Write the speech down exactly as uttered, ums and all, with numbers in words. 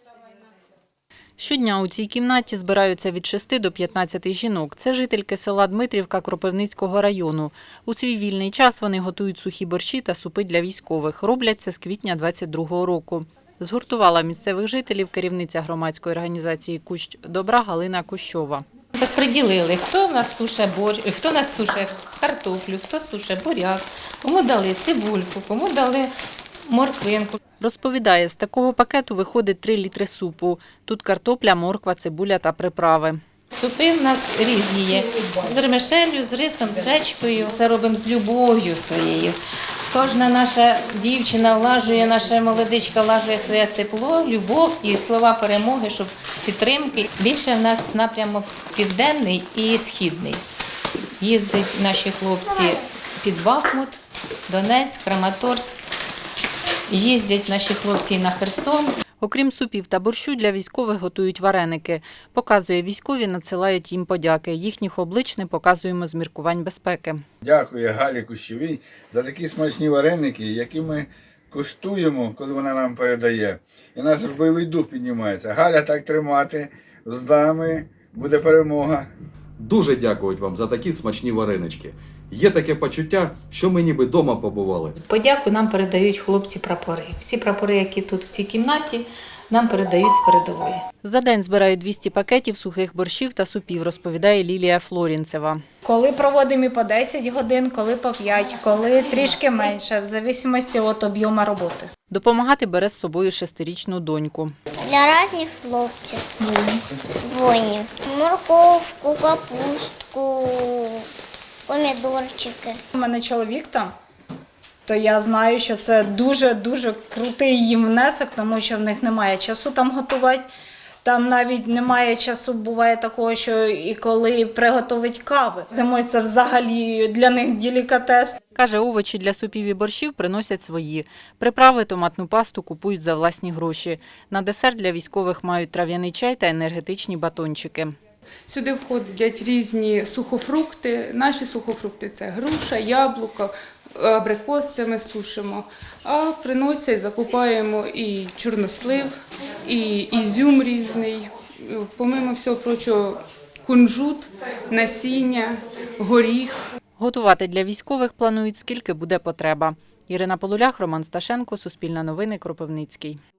Щодня у цій кімнаті збираються від шести до п'ятнадцяти жінок. Це жительки села Дмитрівка Кропивницького району. У свій вільний час вони готують сухі борщі та супи для військових. Роблять це з квітня двадцять другого року. Згуртувала місцевих жителів керівниця громадської організації «Кущ добра» Галина Кущова. Розподілили, хто в нас суше борщ, хто в нас суше картоплю, хто суше буряк, кому дали цибульку, кому дали морквинку. Розповідає, з такого пакету виходить три літри супу. Тут картопля, морква, цибуля та приправи. Супи в нас різні є. З вермишелью, з рисом, з гречкою. Все робимо з любов'ю своєю. Кожна наша дівчина влажує, наша молодичка влажує своє тепло, любов і слова перемоги, щоб підтримки. Більше в нас напрямок південний і східний. Їздять наші хлопці під Бахмут, Донецьк, Краматорськ. Їздять наші хлопці і на Херсон. Окрім супів та борщу, для військових готують вареники. Показує, військові надсилають їм подяки. Їхніх облич не показуємо з міркувань безпеки. Дякую Галі Кущовій за такі смачні вареники, які ми куштуємо, коли вона нам передає. І наш бойовий дух піднімається. Галя, так тримати, з нами буде перемога. Дуже дякують вам за такі смачні варенички. Є таке почуття, що ми ніби вдома побували. Подяку нам передають хлопці-прапори. Всі прапори, які тут в цій кімнаті, нам передають з передової. За день збирають двісті пакетів сухих борщів та супів, розповідає Лілія Флорінцева. Коли проводимо і по десять годин, коли по п'ять, коли трішки менше, в залежності від об'єму роботи. Допомагати бере з собою шестирічну доньку. Для різних хлопців, воїнів. Морковку, капустку, помідорчики. У мене чоловік там, то я знаю, що це дуже-дуже крутий їм внесок, тому що в них немає часу там готувати. Там навіть немає часу, буває такого, що і коли приготувати кави. Зимою це взагалі для них делікатес. Каже, овочі для супів і борщів приносять свої. Приправи, томатну пасту купують за власні гроші. На десерт для військових мають трав'яний чай та енергетичні батончики. Сюди входять різні сухофрукти. Наші сухофрукти – це груша, яблуко, абрикос, це ми сушимо. А приносять, закупаємо і чорнослив, і ізюм різний. Помимо всього прочого, кунжут, насіння, горіх. Готувати для військових планують, скільки буде потреба. Ірина Полулях, Роман Сташенко, Суспільне новини, Кропивницький.